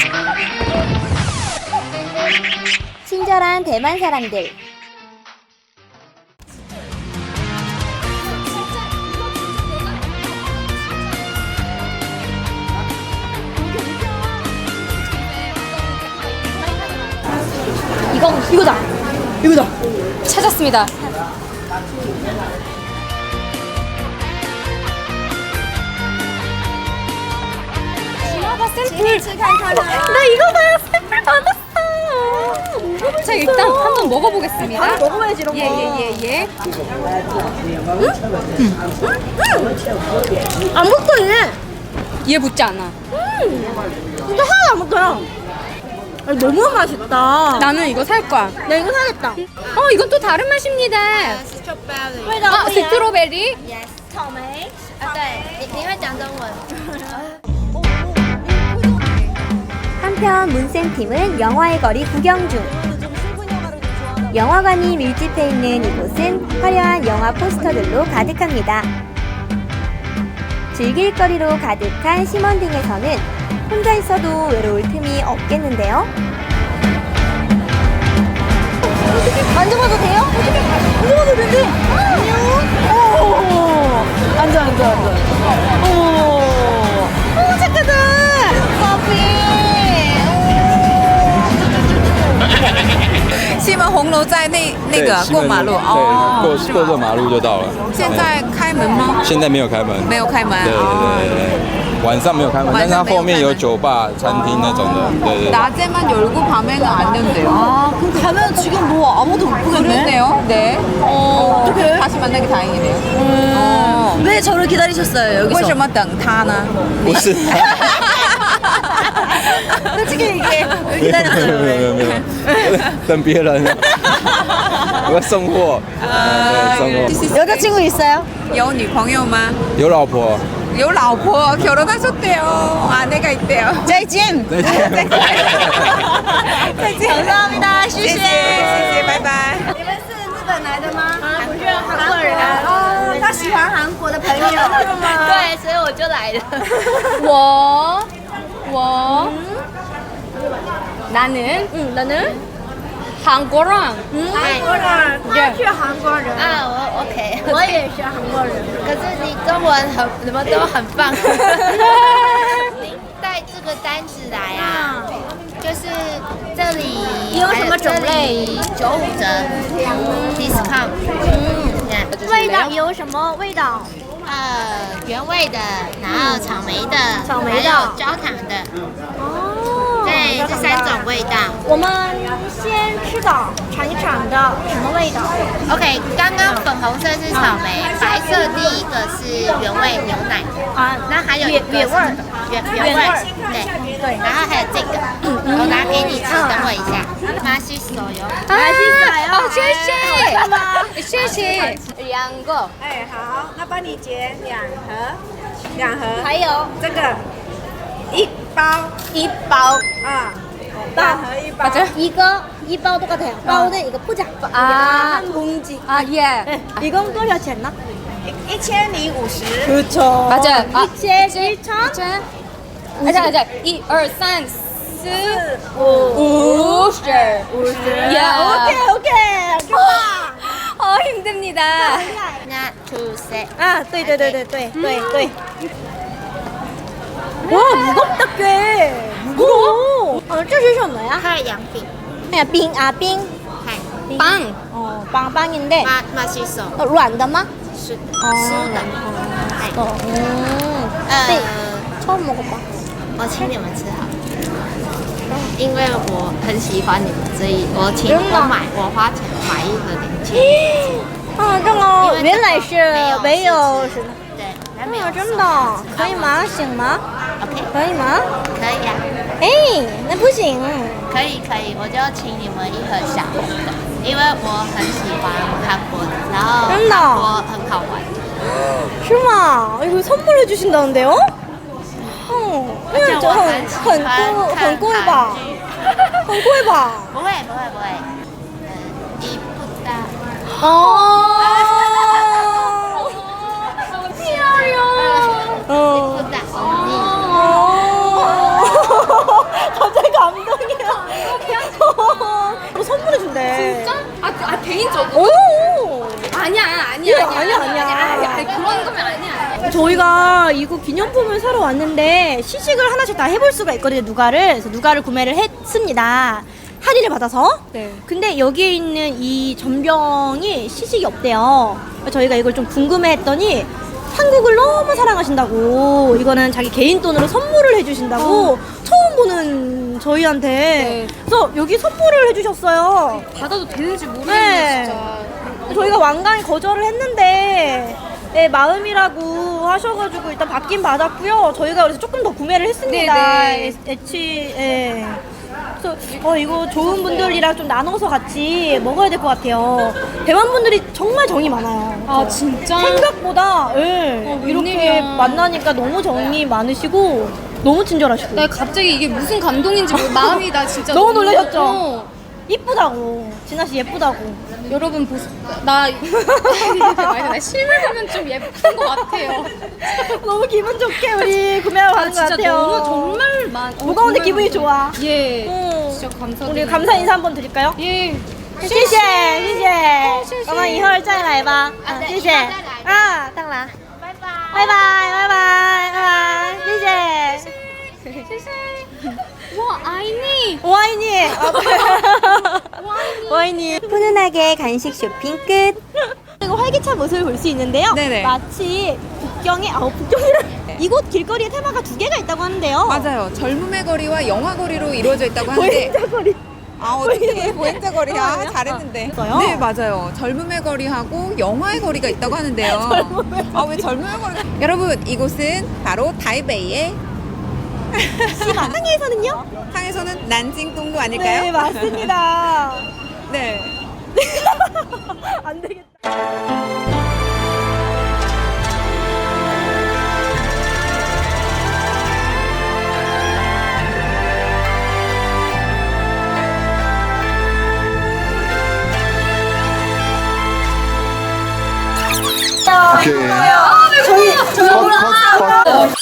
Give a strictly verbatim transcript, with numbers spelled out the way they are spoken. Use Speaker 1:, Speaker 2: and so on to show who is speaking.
Speaker 1: 친절한 대만 사람들.
Speaker 2: 이거 이거다. 이거다.
Speaker 3: 찾았습니다. 샘플. 나 이거 봐. 샘플 받았어. 자, 일단 한번 먹어보겠습니다.
Speaker 2: 아, 먹어봐야지 이런 거.
Speaker 3: 예예예 예, 예.
Speaker 2: 안 붙어 얘.
Speaker 3: 얘 붙지 않아.
Speaker 2: 진짜 하나도 안 붙어요. 아니, 너무 맛있다.
Speaker 3: 나는 이거 살 거야.
Speaker 2: 나 이거 사겠다.
Speaker 3: 어, 이건 또 다른 맛입니다.
Speaker 2: 스트로베리.
Speaker 3: 아, 스트로베리?
Speaker 4: Yes，草莓啊，对，你你会讲中文。
Speaker 1: 한편 문쌤팀은 영화의 거리 구경 중. 영화관이 밀집해 있는 이곳은 화려한 영화 포스터들로 가득합니다. 즐길 거리로 가득한 심원딩에서는 혼자 있어도 외로울 틈이 없겠는데요.
Speaker 2: 만져봐도 돼요? 어떻게 만져봐도 되는데? 안녕. 오. 앉아 앉아 앉아. 오. 오 착하다. 커피.
Speaker 5: 西门红楼在那那个
Speaker 6: 对
Speaker 5: 过马路
Speaker 6: 西门
Speaker 5: 哦，
Speaker 6: 对，
Speaker 5: 是吗
Speaker 6: 过过这马路就到了。
Speaker 5: 现在开门吗？
Speaker 6: 现在没有开门，
Speaker 5: 没有开门
Speaker 6: 对对
Speaker 5: 哦。
Speaker 6: 对对对，晚上没有开门，但是它后面有酒吧、餐厅那种的，对对对。
Speaker 5: 낮에만 열고 밤에는 안 된대요.
Speaker 2: 아 그럼 가면 지금 뭐 아무도 못 보겠네.
Speaker 5: 그러네요. 네.
Speaker 2: 어 어떡해?
Speaker 5: 다시 만나기 다행이네요.
Speaker 2: 음. 왜 저를 기다리셨어요 여기서?
Speaker 5: 为什么等他呢？
Speaker 6: 不是，
Speaker 2: 솔직히 얘기해. 왜
Speaker 6: 没有没
Speaker 2: 기다렸어요?
Speaker 6: 有没有没有，等别人，我要送货，对，送货。
Speaker 2: 여자친구 있어요?
Speaker 5: 有女朋友吗？
Speaker 6: 有老婆，
Speaker 5: 有老婆 결혼하셨대요. 아내가 있대요.
Speaker 2: 再见.
Speaker 6: 再见。
Speaker 5: 再见.
Speaker 2: 감사합니다. 谢谢.
Speaker 5: 谢谢，拜拜。
Speaker 4: 你们是日本来的吗？啊，不是韩国人。哦，他喜欢韩国的朋友。对，所以我就来了。
Speaker 3: 워, 워. 나는
Speaker 2: 응, 나는
Speaker 3: 한국랑
Speaker 4: 韩国人，他是韩国人啊，我 OK，我也是韩国人。可是你中文很，你们都很棒。您带这个单子来啊，就是这里
Speaker 2: 有什么种类？
Speaker 4: 九五折，discount。嗯，
Speaker 2: 味道有什么味道？
Speaker 4: 呃，原味的，然后草莓的，
Speaker 2: 草莓的
Speaker 4: 还有焦糖的，
Speaker 2: 哦，
Speaker 4: 对，这三种味道。
Speaker 2: 我们先吃的，尝一尝的什么味道？
Speaker 4: OK，刚刚粉红色是草莓，白色第一个是原味牛奶，
Speaker 2: 啊，
Speaker 4: 那还有一个是
Speaker 2: 原原味儿
Speaker 4: 原原味儿，对对，然后还有这个，我拿给你吃，等我一下，马西手游，
Speaker 3: 아, 어, 谢谢. 谢谢. 两个.
Speaker 7: 哎，好，那帮你结两盒，两盒，
Speaker 2: 还有
Speaker 7: 这个一包
Speaker 2: 一包
Speaker 7: 啊，两盒一包，
Speaker 3: 맞아요?
Speaker 2: 이거 이包 똑같아요.包는 이거 포장.
Speaker 3: 아.
Speaker 2: 한 봉지.
Speaker 3: 아, 예.
Speaker 2: 네, 이건 多少钱呢?
Speaker 7: 一千零五十，
Speaker 2: 그렇죠.
Speaker 3: 맞아요. 아,
Speaker 2: 이천, 일천,
Speaker 3: 짠. 아자, 아자. 이, 일, 삼, 사,
Speaker 2: 오.
Speaker 3: 오십.
Speaker 2: 야, 오케이, 오케이. 좋아.
Speaker 3: 어, 힘듭니다.
Speaker 4: 那 two set，
Speaker 2: 아, 对对对对对对对. 와, 무겁다 꽤. 무거워. 어, 这是什么呀?
Speaker 4: 太阳饼，
Speaker 2: 그냥 빙, 아, 빙.
Speaker 4: 嗨，
Speaker 3: 빵.
Speaker 2: 어, 빵빵인데
Speaker 4: 马马西手
Speaker 2: 어, 软的吗?
Speaker 4: 是
Speaker 2: 哦
Speaker 4: 湿的，嗨，
Speaker 2: 어, 음.
Speaker 4: 呃
Speaker 2: 네, ， 처음 먹어봐.
Speaker 4: 我请你们吃好了。因为我很喜欢你们，所以我请我买，我花钱买一盒零钱。
Speaker 2: 아, 这个原来是没有是的.
Speaker 4: 对，还没有
Speaker 2: 啊，真的可以吗？行吗？
Speaker 4: ？OK，
Speaker 2: 可以吗？
Speaker 4: 可以啊，
Speaker 2: 哎，那不行。
Speaker 4: 可以可以，我就请你们一盒小红的，因为我很喜欢韩国的，然后
Speaker 2: 真的
Speaker 4: 韩国很好玩。
Speaker 2: 是吗? 이거 선물해 주신다는데요? 어, 이거 저很很贵很贵吧？很贵吧？
Speaker 4: 不会不会不会，嗯，一不大。
Speaker 2: 어.
Speaker 4: 어. 一不大。
Speaker 2: 어. 갑자기 저희가 이거 기념품을 사러 왔는데 시식을 하나씩 다 해볼 수가 있거든요. 누가를. 그래서 누가를 구매를 했습니다. 할인을 받아서.
Speaker 3: 네.
Speaker 2: 근데 여기에 있는 이 전병이 시식이 없대요. 저희가 이걸 좀 궁금해했더니 한국을 너무 사랑하신다고 이거는 자기 개인 돈으로 선물을 해주신다고 처음 보는 저희한테
Speaker 3: 네.
Speaker 2: 그래서 여기 선물을 해주셨어요.
Speaker 3: 받아도 되는지 모르겠네
Speaker 2: 네.
Speaker 3: 진짜.
Speaker 2: 저희가 완강히 거절을 했는데 네, 마음이라고 하셔가지고 일단 받긴 받았고요. 저희가 그래서 조금 더 구매를 했습니다.
Speaker 3: 네, 네.
Speaker 2: 애치, 예. 그래서 어, 이거 좋은 분들이랑 좀 나눠서 같이 먹어야 될 것 같아요. 대만 분들이 정말 정이 많아요.
Speaker 3: 아 진짜?
Speaker 2: 생각보다 예,
Speaker 3: 어,
Speaker 2: 이렇게
Speaker 3: 웬일이야.
Speaker 2: 만나니까 너무 정이 많으시고 너무 친절하시고
Speaker 3: 나 갑자기 이게 무슨 감동인지 모르- 마음이 나 진짜
Speaker 2: 너무 놀라셨죠?
Speaker 3: 어.
Speaker 2: 이쁘다고 진아 씨 예쁘다고.
Speaker 3: 여러분 보세요. 나 이렇게 말해 나 실물 보면 좀 예쁜 것 같아요.
Speaker 2: 너무 기분 좋게 우리 구매하러
Speaker 3: 아
Speaker 2: 가는 것
Speaker 3: 진짜
Speaker 2: 같아요.
Speaker 3: 너무 정말 많. 어,
Speaker 2: 무거운데
Speaker 3: 정말
Speaker 2: 기분이
Speaker 3: 많-
Speaker 2: 좋아.
Speaker 3: 예.
Speaker 2: 응.
Speaker 3: 진짜 감사드립니다.
Speaker 2: 우리 감사 인사 한번 드릴까요?
Speaker 3: 예.
Speaker 2: 谢谢谢谢，我们一会儿再来吧。啊，谢谢。啊，当然。拜拜拜拜拜拜拜拜，谢谢。
Speaker 3: 와 아이니.
Speaker 2: 와인이. 와인이.
Speaker 1: 훈훈하게 간식 쇼핑 끝.
Speaker 2: 그리고 활기찬 모습을 볼 수 있는데요.
Speaker 5: 네네.
Speaker 2: 마치 북경에 아우 북경이라 이곳 길거리에 테마가 두 개가 있다고 하는데요.
Speaker 5: 맞아요. 젊음의 거리와 영화 거리로 이루어져 있다고 하는데.
Speaker 2: 보행자거리.
Speaker 5: 아 어떻게 보행자 거리야?
Speaker 2: 아,
Speaker 5: 잘했는데.
Speaker 2: 있어요?
Speaker 5: 네 맞아요. 젊음의 거리하고 영화의 거리가 있다고 하는데요. 아 왜 젊음의 거리가? 여러분 이곳은 바로 타이베이의
Speaker 2: 씨마 상해에서는요?
Speaker 5: 상에서는 난징 동구 아닐까요?
Speaker 2: 네 맞습니다.
Speaker 5: 네.
Speaker 2: 안 되겠다.
Speaker 8: 오케이. 저희 저희